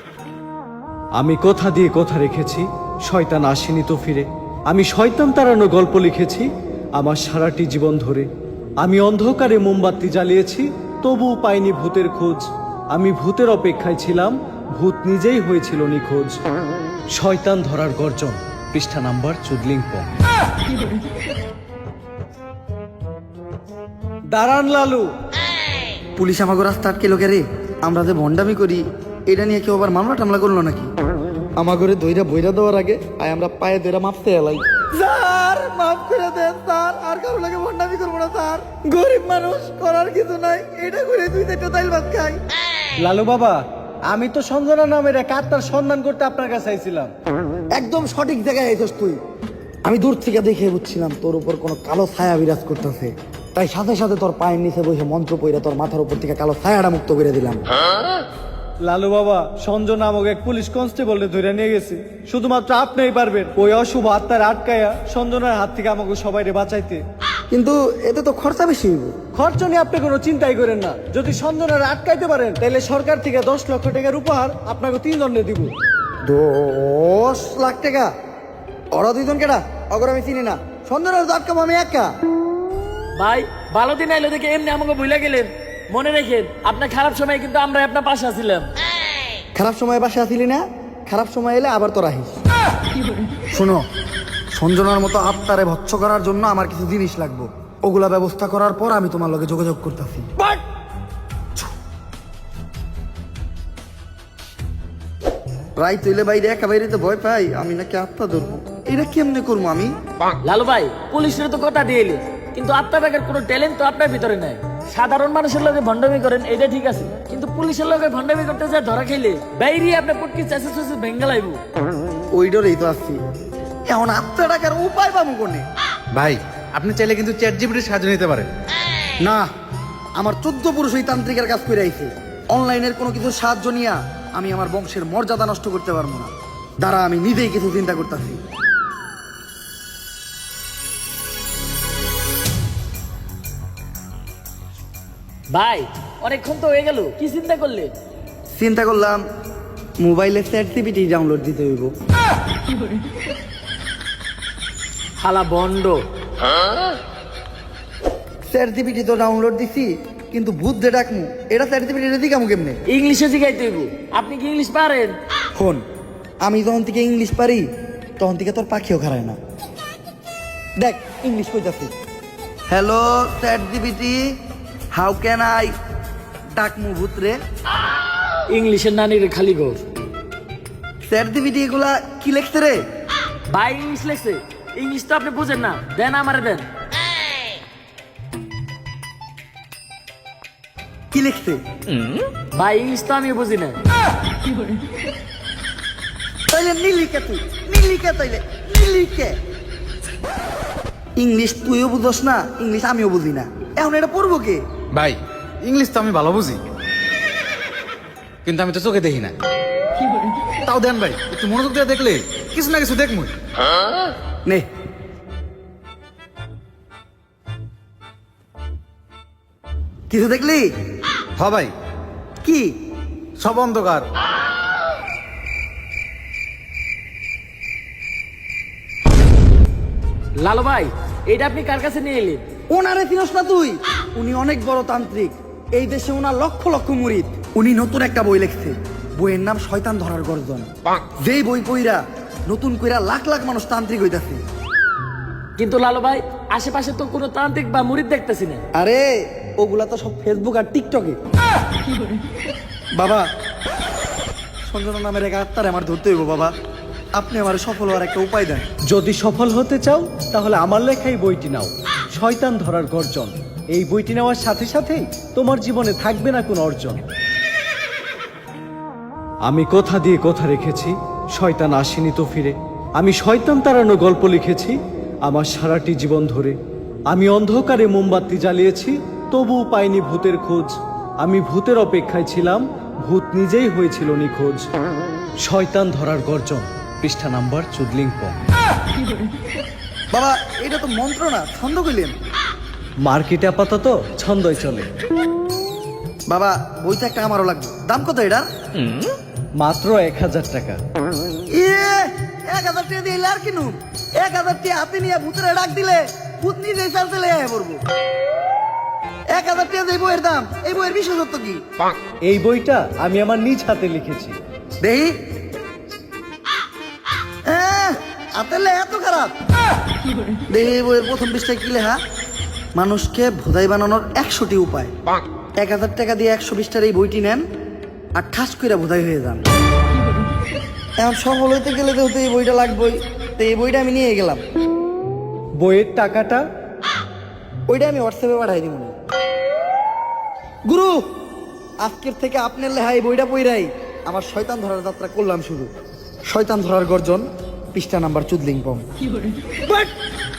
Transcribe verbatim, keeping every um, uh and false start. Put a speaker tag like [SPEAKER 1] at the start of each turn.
[SPEAKER 1] আমি কথা দিয়ে কথা রেখেছি, শয়তান আসেনি তো ফিরে। আমি শয়তান তাড়ানো গল্প লিখেছি আমার সারাটি জীবন ধরে। আমি অন্ধকারে মোমবাতি জ্বালিয়েছি, তবুও পাইনি ভূতের খোঁজ। আমি ভূতের অপেক্ষায় ছিলাম, ভূত নিজেই হয়েছিল নিখোঁজ। শয়তান ধরার গর্জন, পৃষ্ঠা নাম্বার চুদলিংপং। দাঁড়ান লালু।
[SPEAKER 2] পুলিশ আমাকে রাস্তা আটকে লোকে রে, আমরা যে ভণ্ডামি করি এটা নিয়ে কেউ আবার মামলা টামলা করলো নাকি? আমাগরে দইরা বইরা দেওয়ার আগে আয় আমরা পায়ে দইরা মাপতে এলাই। স্যার মাফ করে দেন স্যার, আর কারো লাগে ভণ্ডামি করবো না স্যার। গরিব মানুষ, করার কিছু নাই, এটা করে দুই চারটা তাইল ভাত খাই।
[SPEAKER 1] লালু বাবা, আমি তো সঞ্জনা নামের এক আত্মার সন্ধান করতে আপনার কাছে আইছিলাম।
[SPEAKER 2] একদম সঠিক জায়গায় আইছস তুই। আমি দূর থেকে দেখে বুঝছিলাম তোর উপর কোনো কালো ছায়া বিরাজ করতেছে, তাই সাথে সাথে তোর পায়ের নিচে বসে মন্ত্র পইরা তোর মাথার উপর থেকে কালো ছায়াটা মুক্ত করে দিলাম।
[SPEAKER 1] লালু বাবা, সঞ্জয় নামক এক পুলিশ কনস্টেবল ধরে নিয়ে গেছে। শুধুমাত্র আপনিই পারবেন ওই অশুভ আত্মার আটকায়া সঞ্জনার হাত থেকে আমাকে সবাই বাঁচাইতে।
[SPEAKER 2] কিন্তু এতে তো খরচা বেশি হইব।
[SPEAKER 1] খরচ নিয়ে আপনি কোনো চিন্তাই করেন না। যদি সঞ্জনার আটকাইতে পারেন তাহলে সরকার থেকে দশ লক্ষ টাকার উপহার আপনাকে তিন দণ্ডে দিব।
[SPEAKER 2] দশ লাখ টাকা? ওরা দুইজন কেটা? অগর আমি চিনি না। সন্ধ্যার আটকাবো আমি একা?
[SPEAKER 3] ভাই ভালো দিন আইলো দেখে এমনি আমাকে ভুলে গেলেন। মনে রেখেন আপনার খারাপ সময় কিন্তু আমরা আপনার পাশে আছিলাম।
[SPEAKER 2] খারাপ সময় বাসে আসিলি না, খারাপ সময় এলে আবার তোর আহিস। শোনো, সঞ্জনার মতো আত্মারে ভৎস করার জন্য আমার কিছু জিনিস লাগবে, ওগুলা ব্যবস্থা করার পর আমি তোমার লগে যোগাযোগ করতেছি। রাই তুইলে বাইরে একা বাইরে তো ভয় পাই, আমি নাকি আত্মা ধরবো, এটা কেমনে করবো আমি?
[SPEAKER 3] লালু ভাই পুলিশের তো কথা দিয়ে এলেন, কিন্তু আপনার ব্যাগের কোনো ট্যালেন্ট তো আপনার ভিতরে নাই। সাধারণ মানুষের লগে ভণ্ডামি করেন এটা ঠিক আছে, কিন্তু পুলিশের লগে ভণ্ডামি করতে যা ধরা খাইলে বাইরে আপনার পটকি চাষে চাষে ভেঙ্গা লাইব।
[SPEAKER 2] ওই ডরেই তো আসছি। এখন আত্মা টাকার উপায় পাবো কোনে?
[SPEAKER 4] ভাই আপনি চাইলে কিন্তু চ্যাট জিপিটির সাহায্য নিতে পারেন।
[SPEAKER 2] না, আমার চোদ্দ পুরুষ ওই তান্ত্রিকের কাজ করে আইছে। অনলাইনের কোনো কিছু সাহায্য নিয়ে আমি আমার বংশের মর্যাদা নষ্ট করতে পারবো না। দ্বারা আমি নিজেই কিছু চিন্তা করতেছি।
[SPEAKER 3] ভাই অনেকক্ষণ তো হয়ে গেল, কি চিন্তা করলে?
[SPEAKER 2] চিন্তা করলাম মোবাইলে চ্যাট জিপিটি ডাউনলোড দিতে হইব।
[SPEAKER 3] হালা বন্ড।
[SPEAKER 2] চ্যাট জিপিটি তো ডাউনলোড দিছি, কিন্তু ভূত যে ডাকমু এটা চ্যাট জিপিটি দিকামু কেমনে?
[SPEAKER 3] ইংলিশে শিখাইতে হইব। আপনি কি ইংলিশ পারেন?
[SPEAKER 2] ফোন, আমি যখন থেকে ইংলিশ পারি তখন থেকে তোর পাখিও খারায় না। দেখ ইংলিশ কইতাছি। Hello chat GPT, how can I ডাকমু ভূত রে?
[SPEAKER 3] ইংলিশের নানির খালি গো।
[SPEAKER 2] চ্যাট জিপিটি এগুলা কি লেখছে রে?
[SPEAKER 3] ভাই ইংলিশ লেখছে, ইংলিশ তো আপনি বুঝেন না। দেন আমারে দেন।
[SPEAKER 2] কি লিখছে?
[SPEAKER 3] ভাই ইংলিশ তো আমি বুঝি না।
[SPEAKER 2] তাইলে নীলিকে তুই নীলিকে তাইলে নীলিকে। ইংলিশ তুইও বুঝস না, ইংলিশ আমিও বুঝি না, এখন এটা পড়বো কে?
[SPEAKER 4] ভাই ইংলিশ তো আমি ভালো বুঝি, কিন্তু আমি তো চোখে দেখি না। তাও দেন ভাই, একটু মনোযোগ দিয়ে দেখলে কিছু না কিছু দেখমু।
[SPEAKER 2] নে কিছু দেখলি?
[SPEAKER 4] হ ভাই,
[SPEAKER 2] কি?
[SPEAKER 4] সব অন্ধকার।
[SPEAKER 3] লালু ভাই এটা আপনি কার কাছে নিয়ে এলেন?
[SPEAKER 2] ওনারে চিনস না তুই? উনি অনেক বড় তান্ত্রিক, এই দেশে ওনার লক্ষ লক্ষ মুরিদ। উনি নতুন একটা বই লিখছে, বইয়ের নাম শয়তান ধরার গর্জন। যেই বই পইরা নতুন কইরা লাখ লাখ মানুষ তান্ত্রিক হইতাছে।
[SPEAKER 3] কিন্তু লালু ভাই আশেপাশে তো কোনো তান্ত্রিক বা মুরিদ দেখতেছি না।
[SPEAKER 2] আরে ওগুলা তো সব ফেসবুক আর টিকটকে। বাবা, সঞ্জনা নামের এক আত্মারে আমার ধরতে হইব বাবা, আপনি আমার সফল হওয়ার একটা উপায় দেন।
[SPEAKER 1] যদি সফল হতে চাও তাহলে আমার লেখাই বইটি নাও, শয়তান ধরার গর্জন। এই বইটি নেওয়ার সাথে সাথেই তোমার জীবনে থাকবে না কোনো অর্জন। আমি কথা দিয়ে কথা রেখেছি, শয়তান আসেনি তো ফিরে। আমি শয়তান তাড়ানো গল্প লিখেছি আমার সারাটি জীবন ধরে। আমি অন্ধকারে মোমবাতি জ্বালিয়েছি, তবুও পাইনি ভূতের খোঁজ। আমি ভূতের অপেক্ষায় ছিলাম, ভূত নিজেই হয়েছিল নিখোঁজ। শয়তান ধরার গর্জন, পৃষ্ঠা নাম্বার চুদলিংপং।
[SPEAKER 2] বাবা এটা তো মন্ত্র না, ছন্দ কইলেন।
[SPEAKER 1] মার্কেটে আপাতত ছন্দই চলে।
[SPEAKER 2] বাবা বইটা একটা আমারও লাগবে, দাম কত এটা?
[SPEAKER 1] মাত্র এক হাজার টাকা।
[SPEAKER 2] ইয়ে এক হাজার টাকা দিয়ে আর কিনু এক হাজার টাকা হাতে নিয়ে ভূতের ডাক দিলে ভূত নিজেই চালতে লেগে পড়বো। এক হাজার টাকা দিয়ে এই বইয়ের দাম, এই বইয়ের বিশেষত্ব কি?
[SPEAKER 1] এই বইটা আমি আমার নিজ হাতে লিখেছি।
[SPEAKER 2] দেহি হাতে লে এত খারাপ। দেহি এই বইয়ের প্রথম পৃষ্ঠায় কি লেখা? মানুষকে ভোদাই বানানোর একশোটি উপায়। এক হাজার টাকা দিয়ে একশো বিশটার এই বইটি নেন আর ঠাস করে ভোদাই হয়ে যান। এখন সফল হইতে গেলে তো এই বইটা লাগবেই, তো এই বইটা আমি নিয়ে গেলাম।
[SPEAKER 1] বইয়ের টাকাটা?
[SPEAKER 2] ওইটা আমি হোয়াটসঅ্যাপে পাঠাই দিব। গুরু, আজকের থেকে আপনার লেহাই বইটা পইরাই আমার শয়তান ধরার যাত্রা করলাম শুরু। শয়তান ধরার গর্জন, পৃষ্ঠা নাম্বার চুদলিং পম।